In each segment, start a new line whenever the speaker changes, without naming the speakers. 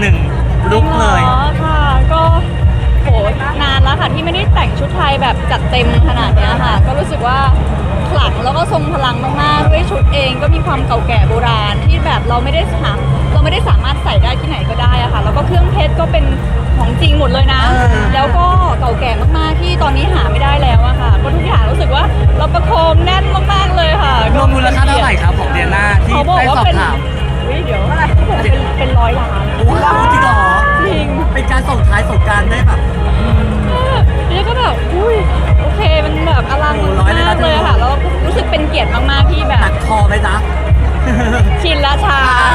1ลุคเลย
ค่ะก็โหนานแล้วค่ะที่ไม่ได้แต่งชุดไทยแบบจัดเต็มขนาดเนี้ยค่ะก็รู้สึกว่าขลังแล้วก็ทรงพลังมากๆด้วยชุดเองก็มีความเก่าแก่โบราณที่แบบเราไม่ได้สามารถใส่ได้ที่ไหนก็ได้อะค่ะแล้วก็เครื่องเพชรก็เป็นของจริงหมดเลยนะแล้วก็เก่าแก่มากๆที่ตอนนี้หาไม่ได้แล้วอะค่ะก็ทุกอย่างรู้สึกว่าเราประโคมแน่นมากๆเลยค่ะ
รวมมูลค่าเท่าไหร่ครับของเดียน่าที่ได้สอบถาม
เดี๋ยวอะไรเขาบอกเป็น100 ล้าน
ว้าวจริงเหรอ
จริง
เป็นการส่งท้ายสงกรานต์ได้แบบ
แล้วก็แบบอุ้ยโอเคมันแบบอลังมากเลยค่ะแล้วรู้สึกเป็นเกียรติมากๆที่แบบ
ตัดคอไหมจ๊ะ
ชินละชา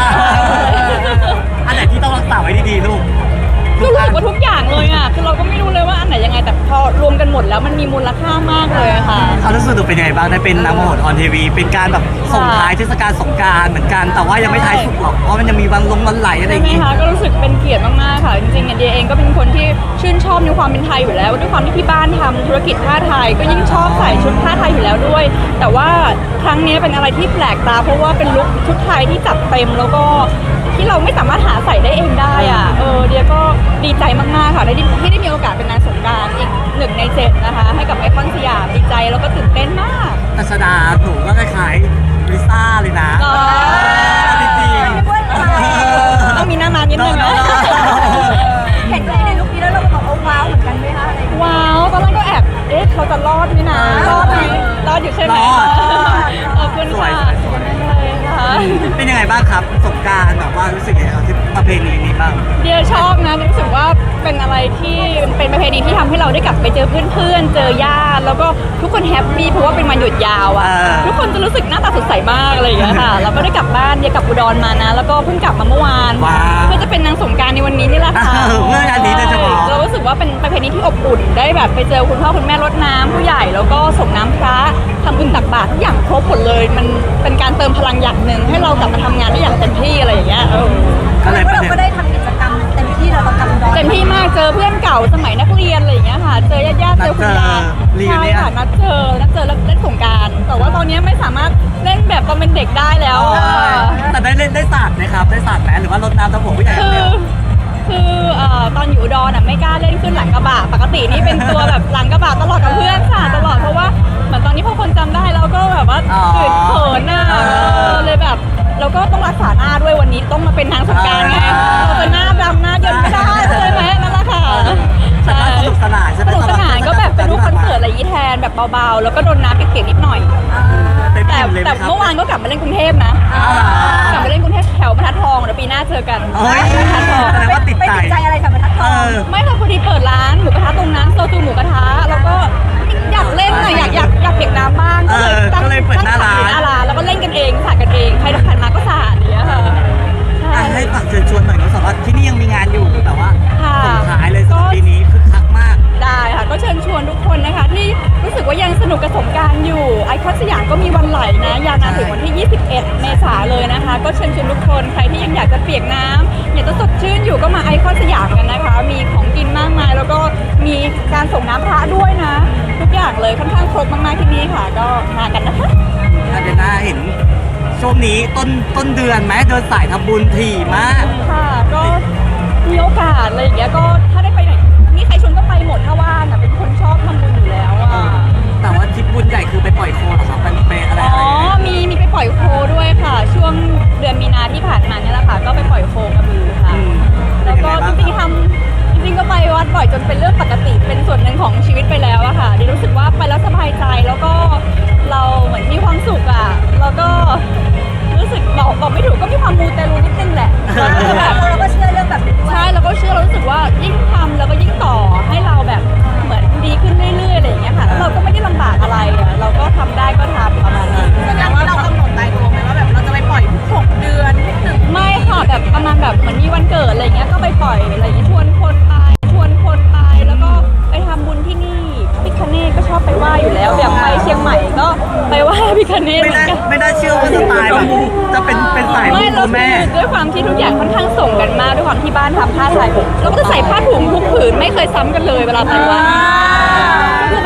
อันไหนที่ต้องรักษาไว้ดีๆลูก
ก็รู้สึกว่าทุกอย่างเลยอ่ะคือเราก็ไม่รู้เลยว่าอันไหนยังไงแต่พอรวมกันหมดแล้วมันมีมูลค่ามากเลยค่ะ
เขารู้สึกเป็นยังไงบ้างได้เป็นนางมโหดออนทีวีเป็นการแบบส่งท้ายเทศกาลสงกรานต์เหมือนกันแต่ว่ายังไม่ท้ายสุดหรอกเพราะมันยังมีวันไหลอะไรอย่างงี้
ก็รู้สึกเป็นเกียรติมากๆค่ะจริงๆเดียเองก็เป็นคนที่ชื่นชอบในความเป็นไทยอยู่แล้วด้วยความที่ที่บ้านทำธุรกิจผ้าไทยก็ยิ่งชอบใส่ชุดผ้าไทยอยู่แล้วด้วยแต่ว่าครั้งนี้เป็นอะไรที่แปลกตาเพราะว่าเป็นลุคชุดไทยที่จัดเต็มแล้วก็ที่เราไม่สามารถหาใส่ได้เองได้อ่ะเดียก็ดีใจมากๆค่ะที่ได้มีโอกาสเป็นนางสงกรานต์อีก1 ใน 7นะคะให้กับไอคอนสยามดีใจแล้วก็ตื่นเต้นมาก
ตัชดาหนูก็คล้ายๆลิซ่าเลยนะจริงๆ
ต้องมีหน้ามานิดนึงนะ
เห็นในลุคนี้แล้วเราก็บอกว้าวเหมือนกันไหมคะอะไร
ว้าวตอนแรกก็แอบเราจะรอดไหมนะรอดไหมรอดอยู่ใช่ไหมขอบคุณค่ะ
เป็นยังไงบ้างครับสงกรานต์แบบว่ารู้สึกยังไงที่ประเพณีนี้บ้าง
เดียชอบนะรู้สึกว่าเป็นอะไรที่เป็นประเพณีที่ทำให้เราได้กลับไปเจอเพื่อนๆเจอญาติแล้วก็ทุกคนแฮปปี้เพราะว่าเป็นวันหยุดยาวอ่ะทุกคนจะรู้สึกหน้าตาสดใสมากอะไรอย่างเงี้ยค่ะเราก็ได้กลับบ้านเดียกลับอุดรมานะแล้วก็เพิ่งกลับมาเมื่อวานเพื่อจะเป็นนางสงกรานต์ในวันนี้นี่แหละค่ะ
เมื่องานนี้โดยเฉพาะ
เรารู้สึกว่าเป็นประเพณีที่อบอุ่นได้แบบไปเจอคุณพ่อคุณแม่รดน้ำผู้ใหญ่แล้วก็ส่งน้ำพระทำบุญตักบาตรทุกอย่างครบหมดเลยมันเป็นการเติมพลังอย่างหนึ่งให้เรากลับมาทำงานได้อย่างเต็มที่อะไรอย่างเงี้ย
เราก็ได้ทำกิจกรรมเต็มที่เรากำลัง
เต็มที่มากเจอเพื่อนเก่าสมัยนักเรียนอะไรอย่างเงี้ยค่ะเจอญาติเจอคุณยายใช่ค่ะนัดเจอแล้วเล่นสงกรานต์แต่ว่าตอนนี้ไม่สามารถเล่นแบบตอนเป็นเด็กได้แล้ว
แต่ได้เล่นได้สาดไหมครับได้สาดไหมหรือว่ารดน้ำตะผมผู้ใหญ่
คือตอนอยู่อุดรไม่กล้าเล่นขึ้นหลังกระบะปกตินี่เป็นตัวแบบหลังกระบะตลอดกับเพื่อนค่ะตลอดเพราะว่าเหมือนตอนนี้พอคนจำได้เราก็แบบว่าตื่นเขินน่ะเลยแบบเราก็ต้องรักษาหน้าด้วยวันนี้ต้องมาเป็นนางสงกรานต์ไงเราจะหน้าดำหน้าเยินไม่ได้ใช่ไหมนั่นแหละค่ะ
ใช่สนุกสนานใช่ไหม
สนุกสนานก็แบบเป็นรูปคอนเสิร์ตอะไรอย่างนี้แทนแบบเบาๆแล้วก็โดนน้ำเปียกๆนิดหน่อยแต่เมื่อวานก็กลับมาเล่นกรุงเทพนะกลับมาเล่นกรุงเทพแถวบรรทัดทองเดี๋ยวปีหน้าเจอกัน
บรรทัดทองแสดงว่าติด
ใจอะไรกับบรรทัดทอง
ไม่ค่ะพอดีเปิดร้านหมูกระทะตรงนั้นโซจูหมูกระทะแล้วก็อยากเล่นน่ะอยากเปียกน้ำบ้าง
ก็เลยเปิดหน้าร้าน
แล้วก็เล่นกันเองสาดกันเองใครผ่านมาก็สาดอย่างเงี้ยค่ะ
ให้ฝากเชิญชวนหน่อยก็สามารถที่นี่ยังมีงานอยู่แต่ว่าส่งขายเลยสำหรับปีนี้คึกคักมาก
ได้ค่ะก็เชิญชวนทุกคนนะคะที่รู้สึกว่ายังสนุกกับสงกรานต์อยู่ไอคอนสยามก็มีวันไหลนะยาวนานถึงวันที่ 21 เมษายนเลยนะคะก็เชิญชวนทุกคนใครที่ยังอยากจะเปียกน้ำอยากจะสดชื่นอยู่ก็มาไอคอนสยามกันนะคะมีของกินมากมายแล้วก็มีการส่งน้ำพระด้วยนะทุกอย่างเลยค่อนข้างครบมากๆที่นี่ค่ะก็มากันนะคะ
เดี๋ยวน่าเห็นช่วงนี้ต้นเดือนไหมเดินสายทำบุญถี่มาก
ค่ะก็มีโอกาสอะไรอย่างเงี้ยก็ถ้าได้ไปไหนนี่ใครชวนก็ไปหมดถ้าว่างอ่ะเป็นคนชอบทำบุญอยู่แล้วอ่ะ
แต่ว่าทริปบุญใหญ่คือไปปล่อยโคเหรอครับไปอะไร
มีไปปล่อยโคด้วยค่ะช่วงเดือนมีนาที่ผ่านมาเนี่ยแหละค่ะก็ไปปล่อยโคกระบือค่ะแล้วก็จริงก็ไปวัดบ่อยจนเป็นเรื่องปกติเป็นส่วนหนึ่งของชีวิตไปแล้วอะค่ะดิรู้สึกว่าไปแล้วสบายใจแล้วก็เราเหมือนมีความสุขอะแล้วก็รู้สึกบอกไม่ถูกก็มีความมูเตลูนิดนึงแหละ
เราก็เชื่อเรื่องแบบนี้
ใช่เราก็เชื่อเรารู้สึกว่ายิ่งทำแล้วก็ยิ่งต่อให้เราแบบเหมือนดีขึ้นเรื่อยๆอะไรอย่างเงี้ยค่ะแล้วเราก็ไม่ได้ลำบากอะไรอะเราก็ทำได้ก็ทำประมาณนี้
แสดงว่าเรากำหนดตายตัวไหมว่าแบบเราจะไปปล่อยทุก6 เดือน
ไม่ค่ะแบบประมาณแบบเหมือนมีวันเกิดอะไรเงี้ยก็ไปปล่อยอะไรอย่างเงี้ยชวนคนไปแล้วก็ไปทำบุญที่นี่พิฆเนศก็ชอบไปไหว้อยู่แล้วอย่างไปเชียงใหม่ก็ไปไหว้พิฆเนศ
ไม่ได้เชื่อว่าสไตล์แบบจะเป็นสายมูตัวแม่
ด้วยความที่ทุกอย่างค่อนข้างส่งกันมากด้วยความที่บ้านทำผ้าไทยเราก็จะใส่ผ้าถุงทุกผืนไม่เคยซ้ำกันเลยเวลาไปไหว้ก็รู้สึกว่า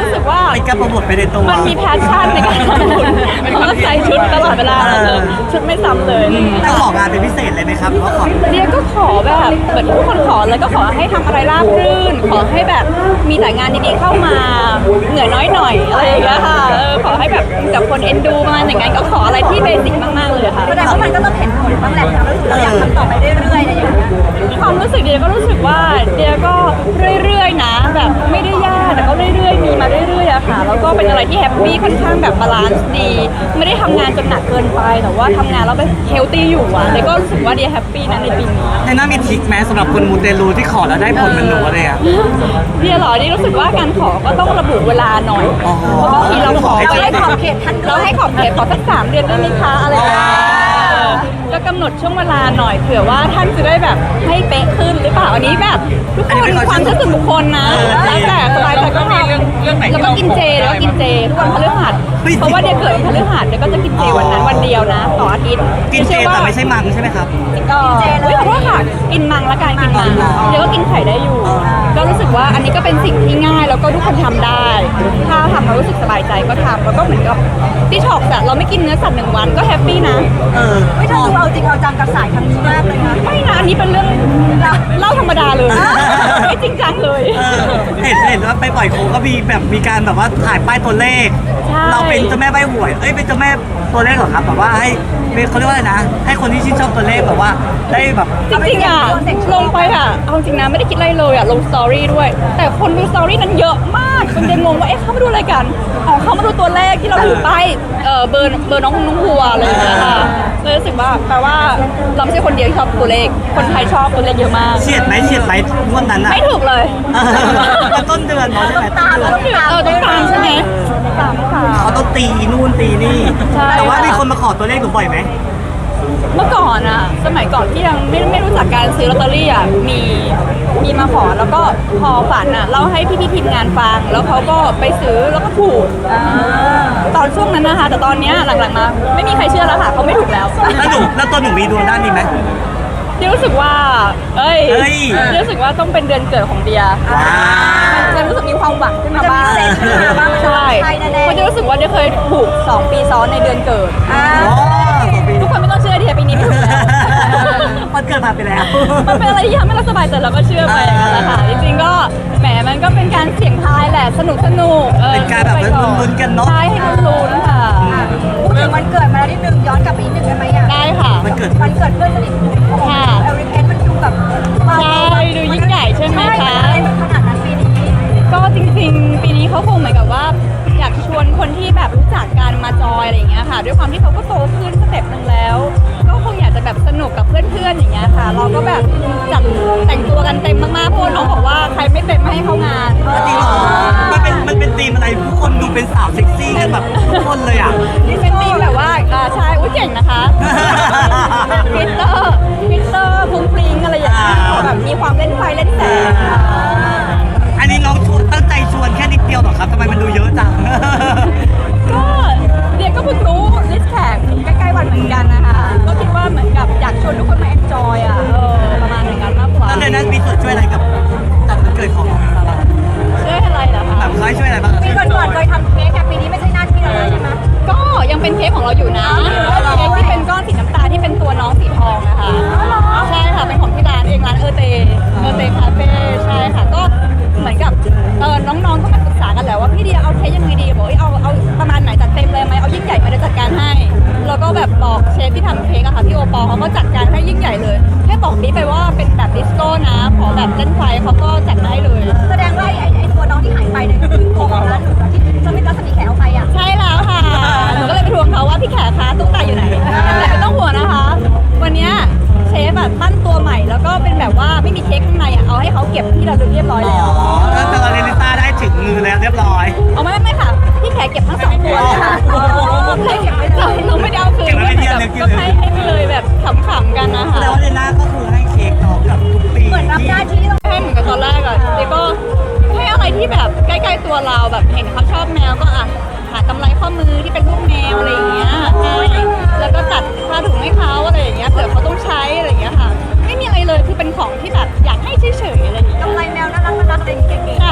เป็นการโปรโมทไปในตัว
มันมีแพชชั่นในการทำบุญเขาก็ใส่ชุดตลอดเวลาชุดไม่ซ้ำเลย
ต้องของานเป็นพิเศษเลยไหมครับหรือว่าขอ
เดียก็ขอแบบเหมือนทุกคนขอเลยก็ขอให้ทำอะไรราบรื่น ขอให้แบบมีแต่งานดีๆเข้ามาเหนื่อยน้อยหน่อยอะไรอย่างเงี้ยค่ะขอให้แบบกับคนเอ็นดูประมาณอย่างนั้นก็ขออะไรที่เบสิกมากๆเลยค่ะ
แสดงว่ามันก็ต้องเห็นผลบ้างแหละเราอยากทำต่อไปเรื่อยๆอะไรอย่างเงี้ย
ความรู้สึกเดียก็รู้สึกว่าเดียก็เรื่อยๆนะแบบไม่ได้ยากแต่ก็เรื่อยๆมีมาเรื่อยๆอะค่ะแล้วก็เป็นอะไรที่แฮปปี้ค่อนข้างแบบบาลานซ์ดีไม่ได้ทำงานจนหนักเกินไปแต่ว่าทำงานแล้วแบบเฮลตี้อยู่อะเดียก็รู้สึกว่าเดียแฮปปี้นะในปีนี้
ในนั้นมีทริคแม้สำหรับคนมูเตลูที่ขอแล้วได้ผลเหมันหนูอะไรอ่ะ
เดียเหรอเดียรู้สึกว่าการขอก็ต้องระบุเวลาหน่อย
อ๋อ
เพราะบางทีเราขอ
เราให้
ขอบเขตท่านเราให้ขอบเขตขอสัก3 เดือนได้ไหมคะอะไรอย่างเงี้ยก็กำหนดช่วงเวลาหน่อยเผื่อว่าท่านจะได้แบบให้เป๊ะขึ้นหรือเปล่าอันนี้แบบทุกคนมีความเชื่อส่วนบุคคลนะแล้วแต่สบายใจก็ทำแล้วก็กินเจแล้วก็กินเจทุกวันพฤหัสเพราะว่าเดียเกิดวันพฤหัสเดียก็จะกินเจวันนั้นวันเดียวนะต่ออาทิตย์
กินเจแต่ไม่ใช่มังใช่ไหมครับ
กินเจเลยขอโทษค่ะกินมังละกันกินมังเดี๋ยวก็กินไข่ได้อยู่ ก็รู้สึกว่าอันนี้ก็เป็นสิ่งที่ง่ายแล้วก็ทุกคนทำได้ ถ้าทำแล้วรู้สึกสบายใจก็ทำแล้วก็เหมือนกับที่ช็อกอะเราไม่กินเนื้อสัตว์1 วันก็แฮปปี้นะ
ไม่ถ้าดูเอาจริงเอาจังกับสายครั้งนี้มากเลยนะ
ไม่นะอันนี้เป็นเรื่องเล่าธรรมดาเลย ไม่จริงจังเลย
เห็นว่าไปปล่อยโคก็มีการแบบว่าถ่ายป้ายตัวเลข
ใช่
เราเป็นเจ้าแม่ใบหวยเป็นเจ้าแม่ตัวเลขเหรอครับแบบว่าให้เขาเรียกว่าอะไรนะ ให้คนที่ชื่นชอบตัวเลขแบบว่าได้แบบ
จริงๆอะลงไปอะเอาจริงนะไม่ได้คิดอะไรเลยอะลงสตอรี่ด้วย แต่คนดูสตอรี่นั้นเยอะมากจนเดนงงว่าเอ๊ะเขามาดูอะไรกันอ๋อเขามาดูตัวเลขที่เราอยู่ป้ายเบอร์น้องหัวอะไรอย่างเงี้ยค่ะเลยรู้สึกว่าแปลว่าเราไม่ใช่คนเดียวที่ชอบตัวเลขคนไทยชอบตัวเลขเยอะมาก
เฉียดไหมงวดนั้นอ่ะ
ไม่ถูกเลย
มันต้นเดือนเนาะใช่ไหมต้นเดือน
ต้องตามใช่ไหมตามค่ะ
เขาต้องตีนู่นตีนี่
ใช่
แต่ว่ามีคนมาขอตัวเลขหนูบ่อยไหม
เมื่อก่อนอะสมัยก่อนที่ยังไม่รู้จักการซื้อลอตเตอรี่อะมีมาขอแล้วก็พอฝันอะเล่าให้พี่ทีมงานฟังแล้วเขาก็ไปซื้อแล้วก็ถูกตอนช่วงนั้นนะคะแต่ตอนเนี้ยหลังๆมาไม่มีใครเชื่อแล้วค่ะเขาไม่ถูกแล้ว
แล้วตัวหนูมีดวงด้านนี้ไหม
เดียรู้สึกว่าเอ้ยเดียรู้สึกว่าต้องเป็นเดือนเกิดของเดียมันจะรู้สึกมีความหวังขึ้นมาบ้าง
มันจะมีเซนส์ขึ้นมาบ้างมันจะ
ใช่
ใช่แน่ๆ
เพราะเดียรู้สึกว่าเดียเคยถูก2 ปีซ้อนในเดือนเกิด
อ๋อ2 ปี
ทุกคนไม่ต้องเชื่อเดียปีนี้ไม่ถูกแล้ว
มันเกิดผ่านไปแล้ว
มันเป็นอะไรที่ทำให้เราสบายใจเราก็เชื่อไปอย่างนั้นแหละค่ะจริงๆก็แหมมันก็เป็นการเสี่ยงทายแหละสนุก
เป็นการแบบลุ้นๆกันเนอะ
ใช่ให้ลุ้นๆค่ะ
พูดถึงวันเกิดมาแล้วนิดนึงย้อนกลับไปนิดนึงได้ไหมอ่ะ
ได้ค่ะ
มันเกิด
วันเกิดเพื่อนสนิทของ
ค่ะ
เอริเกนมันดูแบบว้าว
ใช่ดูยิ่งใหญ่ใช่ไหมคะ
ใช่มันขนาดนั้นปีนี้
ก็จริงๆ ปีนี้เขาคงเหมือนกับว่า อยากชวนคนที่แบบรู้จักกันมาจอยอะไรอย่างเงี้ยค่ะ ด้วยความที่เขาก็โตขึ้นสเต็ปหนึ่งแล้ว ก็คงอยากจะแบบสนุกกับเพื่อนๆอย่างเงี้ยค่ะ เราก็แบบจัดแต่งตัวกันเต็มมากๆเพราะว่าน้องบอกว่าใครไม่เต็มไม่ให้เข้างาน
จริงเหรอมันเป็นธีมอะไรทุกคนดูเป็นสาวเซ็กซี่กันแบบทุกคนเลยอ่ะ
นี่เป็นธีมแบบว่าใช่อุ้ยเก่งนะคะฟิลเตอร์พุ้งปริงอะไรอย่างเงี้ยแบบมีความเล่นไฟเล่นแสง
อันนี้น้องตั้งใจชวนแค่นิดเดียวเหรอครับทำไมมันดูเยอะจัง
ก็เดียก็เพิ่งรู้ลิสต์แขกใกล้ๆวันเหมือนกันนะคะก็คิดว่าเหมือนกับอยากชวนทุกคนมาเอนจอยอ่ะประมาณอย่างนั้นมากกว่า
แล้วในนั้นมีส่วนช่วยอะไรกับจัดวันเกิดของซาร่า
ช่วยอะไรเหรอคะ
แบบเขาให้ช่วยอะไรบ้าง
ปีก่อนๆเคยทำเค้กแต่ปีนี้ไม่ใช่หน้าที่เราแล้วใช่ไหม
ก็ยังเป็นเค้กของเราอยู่นะเค้กที่เป็นก้อนสีน้ำตาลที่เป็นตัวน้องสีทองนะคะใช่ค่ะเป็นของที่ร้านเองร้านเอเตคาเฟ่ใช่ค่ะก็เหมือนกับน้องๆก็มาปรึกษากันแหล้วว่าพี่เดียเอาเค้กยังไงดีบอกเอาประมาณไหนจัดเต็มเลยไหมเอายิ่งใหญ่ไหมเดี๋ยวจัดการให้แล้วก็แบบบอกเชฟที่ทำเค้กอะค่ะพี่โอปอเขาก็จัดการให้ยิ่งใหญ่เลยแค่บอกนี้ไปว่าเป็นแบบดิสโก้นะขอแบบเล่นไฟเขาก็จัดมาให้เลย
แสดงว่าไอ้ตัวน้องที่หายไปเนี่ยคือตัวของร้านหนูที่จะไม่รัศมีแขกเอาไปอ่ะ
ใช่แล้วค่ะหนูก็เลยไปทวงเขาว่าพี่แขกคะตุ๊กตาอยู่ไหนแต่ไม่ต้องห่วงนะคะ วันเนี้ยเชฟแบบปั้นตัวใหม่แล้วก็เป็นแบบว่าไม่มีเค้กข้างในอะเอาให้เขาเก็บที่เราเรียบร้อยแล้ว
ก็เจอเรนิต้าได้ถึงมือแล้วเรียบร้อย
เอาไม่ค่ะพี่แขกเก็บทั้ง2 ตัวเลยค่ะให้เก็บไว้เราไม่ได้เอาคืนก็ให้ไปเลยแบบขำๆกันนะคะ
แล้วเรน่าก็คือให้เค้กน้องกับทุกปี
เหมือนรับหน้าที่
ให้เหมือนกับตอนแรกอะเด็กก็ให้อะไรที่แบบใกล้ๆตัวเราแบบเห็นเขาชอบแมวก็หากำไรข้อมือที่เป็นรูปแมวอะไรอย่างเงี้ยแล้วก็ตัดผ้าถุงให้เขาอะไรอย่างเงี้ยเผื่อเขาต้องใช้อะไรอย่างเงี้ยค่ะไม่มีอะไรเลยคือเป็นของที่แบบอยากให้เฉยๆอะไรอย่างเงี้ย
กำไรแมวน่ารักอะไรอย่างเงี้ย
ใช่รู้สึก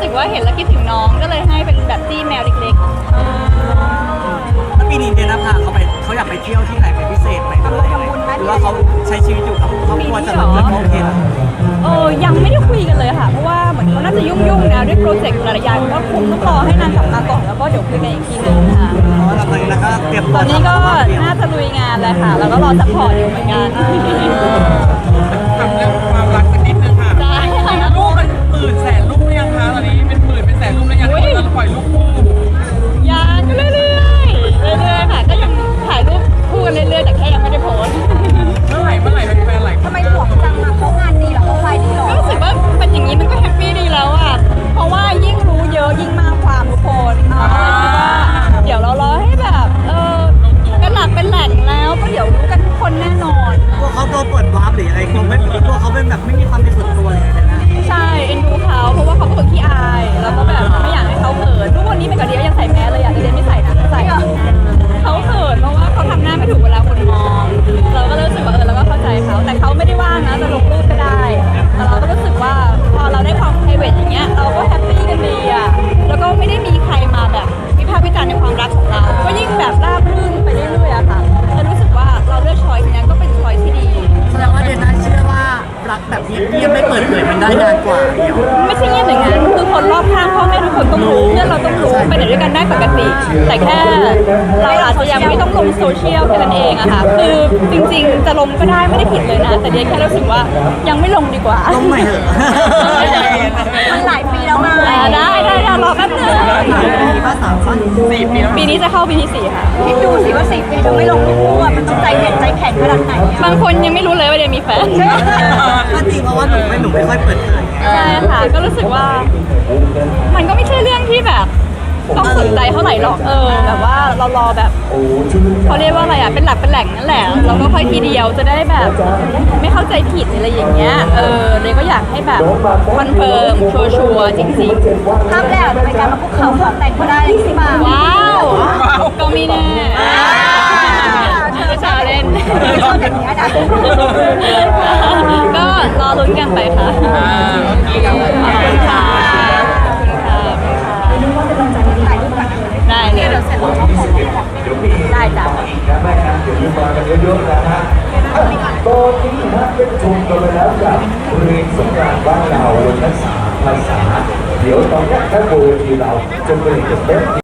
สึกว่าเห็นแล้วคิดถึงน้องก็เลยให้เป็นแบบจี้แมวเล็ก
แล้วปีนี้เดนนภาเขาอยากไปเที่ยวที่ไหนเป็นพิเศษไหมหรือว่าเขาใช้ชีวิตอยู่กับครอบครัวจะแบบโอเคนะ
ๆยังไม่ได้คุยกันเลยค่ะเพราะว่าเหมือนเขาน่าจะยุ่งๆนะด้วยโปรเจกต์หลายๆอย่างก็คงต้องรอให้นางกลับมาก่อนแล้วก็เดี๋ยวคุยกันอีกทีนึงค่ะ
เพราะว่าตอนนี้เราก็เตรียม
ต
ตัว
อนนี้ก็น่าจะลุยงานเลยค่ะ แล้วก็รอซัพพอร์ตอยู่เหมือนกัน
ทำเรื่องความรักสักนิดนึงค่ะ
ได้ค่ะ
ลูกมันหมื่นแสนลูกหรือยังคะตอนนี้เป็นหมื่นเป็นแสนลูกแล้วยังเราปล่อยลูกคู่
ยังก็เรื่อยๆค่ะ ก็ยังถ่ายรูปคู่กันเรื่อยๆแต่แค่ยังไม่ได้โพสต์
เมื่อไหร่เป็นแฟนไหร่
ทำไมห่วงจังอะเขางานดีเหรอเขาไฟดีเหรอ
ก็รู้สึกว่าเป็นอย่างนี้มันก็แฮปปี้ดีแล้วอ่ะ เพราะว่ายิ่งรู้เยอะยิ่งมากความทุกคนคิดว่าเดี๋ยวเรารอให้แบบเป็นหลักเป็นแหล่งแล้วก็เดี๋ยวรู้กันทุกคนแน่นอน
พวกเขาตัวเปิดวาร์ปหรืออะไรตัวเขาเป็นแบบไม่มีความเป็นส่วนตัวเลยนะ
ใช่เอ็นดูเขาเพราะว่าเขาเป็นคนขี้อายแล้วก็แบบไม่อยากให้เขาเขินทุกวันนี้เป็นกับเดียยังใส่แมสเลยอ่ะเดียไม่ใส่นะใส่เขาเขินเพราะว่าเขาทำหน้าไม่ถูกเวลาคนมอง เราก็เลยรู้สึกว่าเราก็เข้าใจเขาแต่เขาไม่ได้ว่างนะจะลงรูปก็ได้แต่เราก็รู้สึกว่าพอเราได้ความ private อย่างเงี้ยเราก็แฮปปี้กันดีอ่ะแล้วก็ไม่ได้มีใครมาแบบวิพากษ์วิจารณ์ในความรักของเรา ก็ยิ่งแบบราบรื่นไปเรื่อยๆอะค่ะจะรู้สึกว่าเราเลือกช้อยส์นี้ก็เป็นช้อยส์ที่ดี
แสดงว่าเดนน่าเชื่อว่ารักแบบเงียบๆไม่เปิดเผยมันได้นานกว่าเดียว
ไม่ใช่เงียบอย่างนั้นคือคนรอบข้างพ่อแม่ทุกคนต้องรู้เพื่อนเราต้องรู้ไปไหนด้วยกันได้ปกติ แต่แค่เราอาจจะยังไม่ต้องลงโซเชียลแค่นั้นเองอะค่ะคือจริงๆจะลงก็ได้ไม่ได้ผิดเลยนะ แต่เดียแค่รู้สึกว่ายังไม่ลงดีกว่า
ต้องใหม่เหอะ
มันหลายปีแล้วไง
ได้รอแป๊บนึง
มีภาษาสั้น
4 ปีแล้ว
ปีนี้จะเข้าปีที่4ค่ะ
คิดดูสิว่า4 ปีจะไม่ลงรูปคู่อะมันต้องใจเด็ดใจแข็งขนาดไหนอะ
บางคนยังไม่รู้เลยว่าเดียมีแฟน
ก็จริงเพราะว่าหนูไม่ค่อยเปิดเผย
ใช่ค่ะก็รู้สึกว่า มันก็ไม่ใช่เรื่องที่แบบต้องสนใจเท่าไหร่หรอกแบบว่าเรารอแบบเขาเรียกว่าอะไรอ่ะเป็นหลักเป็นแหล่งนั่นแหละเราก็ค่อยทีเดียวจะได้แบบไม่เข้าใจผิดอะไรอย่างเงี้ยเลยก็อยากให้แบบคอนเฟิร์มชัวร์ๆจริง
ภาพแรกในการมาคุกเข่าขอแต่งก็ได้เลยสิมา
ๆว้าวก็ไม่แน่ชาเล่น
ชอบอย่างเงี้ยนะ
ก็รอลุ้นกันไปค่ะ
โอเคครับ
ขอบคุณค่ะได้เลย ได้จ้ะ
ตอนนี้นะเป็นชมกันไปแล้วกับเรียนสงกรานต์บ้านเราเวอร์ชัน3 ภาษา เดี๋ยวตอนนี้ถ้าโบทีเราจะเปลี่ยนเป็น